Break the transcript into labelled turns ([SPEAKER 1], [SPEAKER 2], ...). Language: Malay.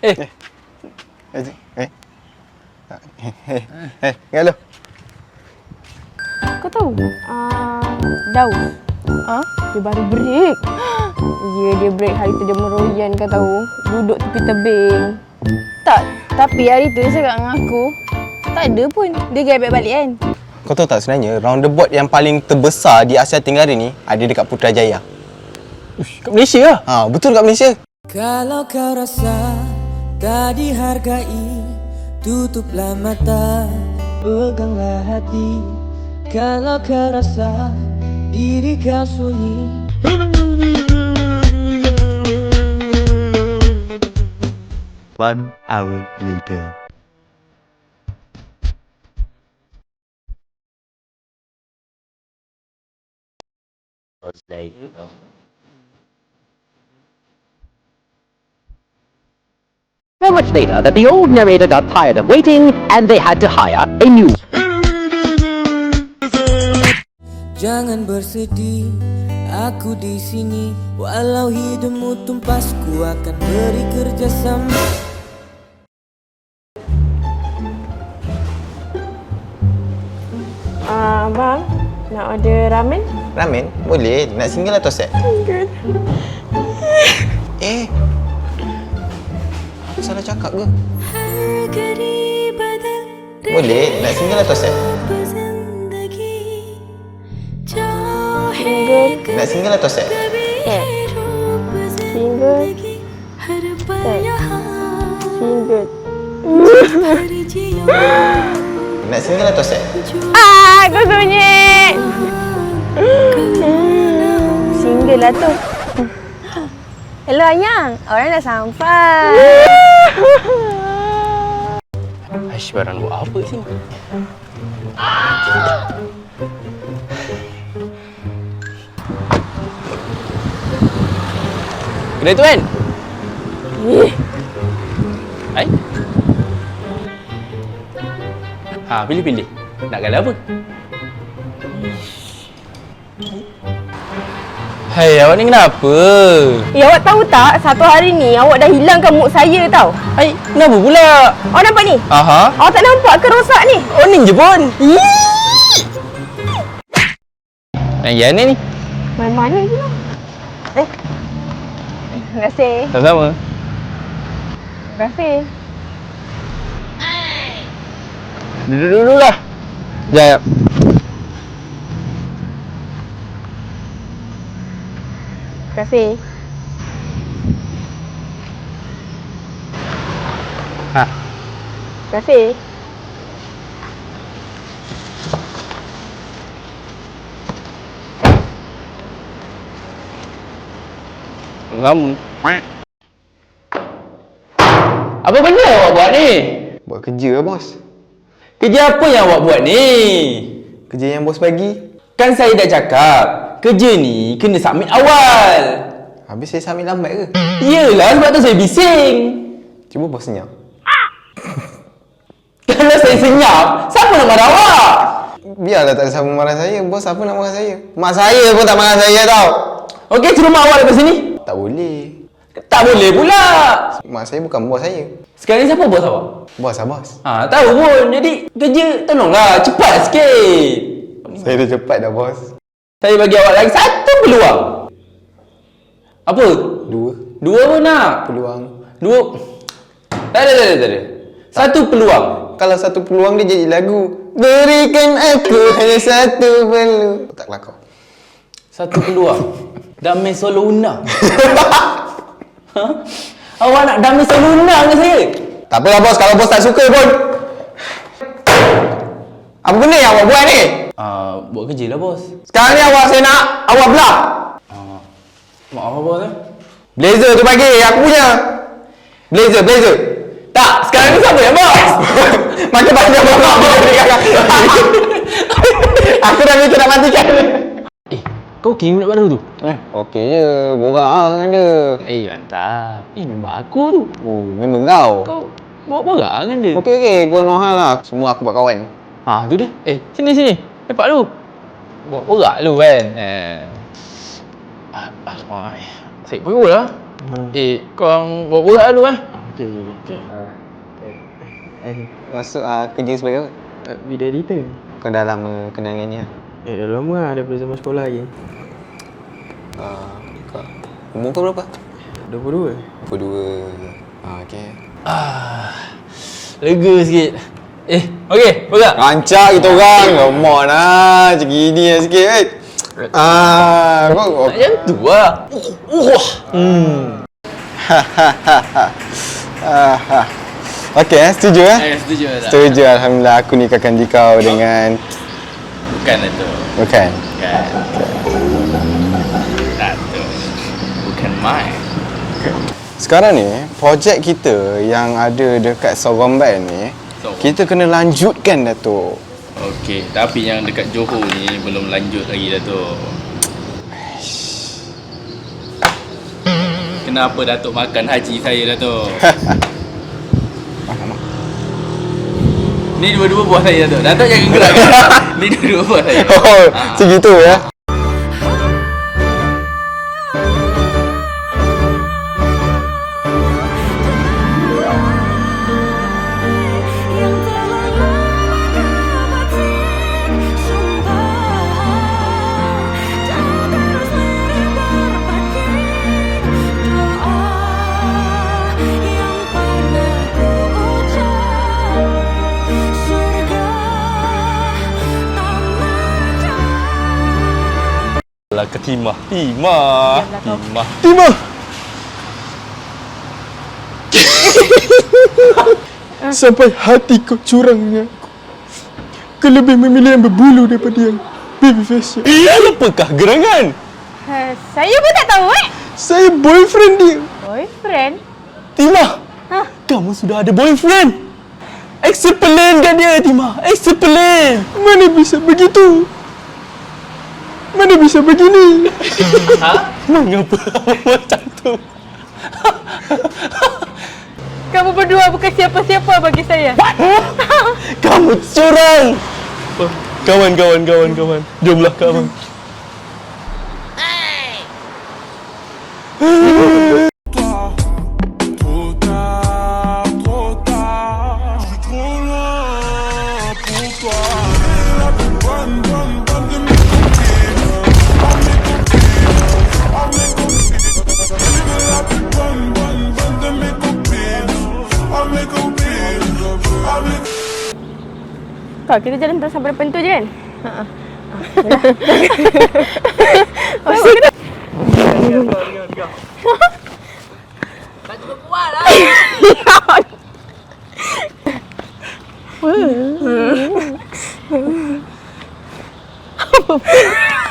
[SPEAKER 1] Eh.
[SPEAKER 2] Hello.
[SPEAKER 3] Kau tahu? Daus. Dia baru break. Ya, dia break hari tu dia meroyan kau tahu. Duduk tepi tebing. Tak, tapi hari tu dia cakap dengan aku, tak ada pun. Dia gebek balik kan.
[SPEAKER 2] Kau tahu tak sebenarnya roundabout yang paling terbesar di Asia Tenggara ni ada dekat Putrajaya.
[SPEAKER 1] Ush, kat Malaysia lah.
[SPEAKER 2] Betul kat Malaysia.
[SPEAKER 4] Kalau kau rasa tak dihargai, tutuplah mata, peganglah hati. Kalau kau rasa diri kau sunyi,
[SPEAKER 5] 1 hour later.
[SPEAKER 6] So much later that the old narrator got tired of waiting and they had to hire a new.
[SPEAKER 4] jangan bersedih. Aku di sini, walau hidupmu tumpas, ku akan beri kerjasama.
[SPEAKER 3] Abang, nak order ramen?
[SPEAKER 2] Ramen? Boleh. Nak single atau set?
[SPEAKER 3] Good.
[SPEAKER 2] Aku salah cakap ke? Boleh. Nak single atau set?
[SPEAKER 3] Single.
[SPEAKER 2] Nak single atau set?
[SPEAKER 3] Set. Single. Set. Single.
[SPEAKER 2] Nak single atau set?
[SPEAKER 3] Kau sunyi. Single lah tu. Hello Ayang, orang dah sampai.
[SPEAKER 1] Aish, barang buat apa kat sini? Kedai tu kan? Hai? Pilih-pilih. Nak gala apa? Hai, awak ni kenapa?
[SPEAKER 3] Awak tahu tak, satu hari ni awak dah hilangkan mood saya tau.
[SPEAKER 1] Hai, kenapa pula?
[SPEAKER 3] Awak nampak ni?
[SPEAKER 1] Aha.
[SPEAKER 3] Awak tak nampak ke rosak ni?
[SPEAKER 1] Oh, ni je pun. Yang ni ni.
[SPEAKER 3] Main mana je lah. Terima kasih.
[SPEAKER 1] Sama-sama.
[SPEAKER 3] Terima kasih.
[SPEAKER 1] Duduk dulu lah. Sekejap.
[SPEAKER 3] Terima kasih. Terima kasih.
[SPEAKER 1] Kamu. Apa benda awak buat ni?
[SPEAKER 2] Buat kerja lah, bos.
[SPEAKER 1] Kerja apa yang awak buat ni?
[SPEAKER 2] Kerja yang bos bagi.
[SPEAKER 1] Kan saya dah cakap, kerja ni kena submit awal.
[SPEAKER 2] Habis saya submit lambat ke?
[SPEAKER 1] Yelah, sebab tu saya bising.
[SPEAKER 2] Cuba bos senyap.
[SPEAKER 1] Kalau saya senyap, siapa nak marah awak?
[SPEAKER 2] Biarlah tak ada siapa marah saya. Bos apa nak marah saya? Mak saya pun tak marah saya tau.
[SPEAKER 1] Okey, suruh mak awak datang sini.
[SPEAKER 2] Tak boleh.
[SPEAKER 1] Tak boleh pula.
[SPEAKER 2] Mak saya bukan bos saya.
[SPEAKER 1] Sekarang ni siapa bos awak?
[SPEAKER 2] Bos lah bos.
[SPEAKER 1] Tahu pun. Jadi kerja tolonglah cepat sikit.
[SPEAKER 2] Saya dah cepat dah bos.
[SPEAKER 1] Saya bagi awak lagi satu peluang. Apa? Dua pun nak?
[SPEAKER 2] Peluang.
[SPEAKER 1] Dua. Tak ada. Satu peluang.
[SPEAKER 2] Kalau satu peluang dia jadi lagu. Berikan aku hanya satu peluang. Tak kelakar.
[SPEAKER 1] Satu peluang. Damai solo Una. Awak nak damai solo Una dengan saya?
[SPEAKER 2] Tak apalah bos, kalau bos tak suka pun. Apa benda yang awak buat ni?
[SPEAKER 1] Buat kerja lah bos.
[SPEAKER 2] Sekarang ni saya nak awak belah.
[SPEAKER 1] Maaf apa bos
[SPEAKER 2] Blazer tu bagi, aku punya. Blazer.
[SPEAKER 1] Tak, sekarang ni siapa yang bos?
[SPEAKER 2] Macam banyak bos. Aku dah minta nak matikan.
[SPEAKER 1] Kau okey budak baru tu?
[SPEAKER 2] Okey je, borak lah dengan dia.
[SPEAKER 1] Mantap. Memang aku tu.
[SPEAKER 2] Oh, memang kau.
[SPEAKER 1] Kau borak dengan dia.
[SPEAKER 2] Okey, gua mahal lah. Semua aku buat kawan.
[SPEAKER 1] Tu dia. Sini. Lepak lu. Borak lu kan. Saya perut lah. Korang borak lu
[SPEAKER 2] Okay. Masuk kerja sebagai apa?
[SPEAKER 7] Video editor.
[SPEAKER 2] Kau dah lama kenal dengan dia?
[SPEAKER 7] Dah lama lah, daripada zaman sekolah lagi.
[SPEAKER 2] Kau umur kau berapa?
[SPEAKER 7] 22.
[SPEAKER 2] 22. Okay.
[SPEAKER 1] Lega sikit. Okey, pegang.
[SPEAKER 2] Rancak kita orang. Come on lah. Macam gini lah sikit. Kau
[SPEAKER 1] Macam tu lah.
[SPEAKER 2] Okey, setuju
[SPEAKER 1] Setuju tak?
[SPEAKER 2] Setuju, Alhamdulillah. Aku nikahkan kau dengan...
[SPEAKER 1] Bukan lah tu.
[SPEAKER 2] Bukan?
[SPEAKER 1] Bukan. Tak tu. Bukan mai.
[SPEAKER 2] Sekarang ni, projek kita yang ada dekat Sorombai ni, kita kena lanjutkan, Datuk.
[SPEAKER 1] Okey, tapi yang dekat Johor ni belum lanjut lagi dah tu. Kenapa Datuk makan haji saya dah tu? Ni dua-dua buah saya Datuk. Datuk jangan gerak. Ni dua-dua buah saya.
[SPEAKER 2] Oh, segitu ya.
[SPEAKER 1] Lah ke Timah. Timah.
[SPEAKER 7] Sampai hati kau curang dengan aku. Kau lebih memilih yang berbulu daripada yang baby face.
[SPEAKER 1] Apakah gerangan?
[SPEAKER 3] Saya pun tak tahu
[SPEAKER 7] Saya boyfriend dia.
[SPEAKER 3] Boyfriend?
[SPEAKER 1] Timah. Kamu sudah ada boyfriend. Explain kan dia, Timah. Explain.
[SPEAKER 7] Mana bisa begitu? Mana bisa begini?
[SPEAKER 1] Mengapa macam tu?
[SPEAKER 3] Kamu berdua bukan siapa-siapa bagi saya.
[SPEAKER 1] Kamu curang. Kawan. Jomlah kawan.
[SPEAKER 3] Kau kita jalan terus sampai depan tu je kan?
[SPEAKER 1] Tak cukup kuat lah.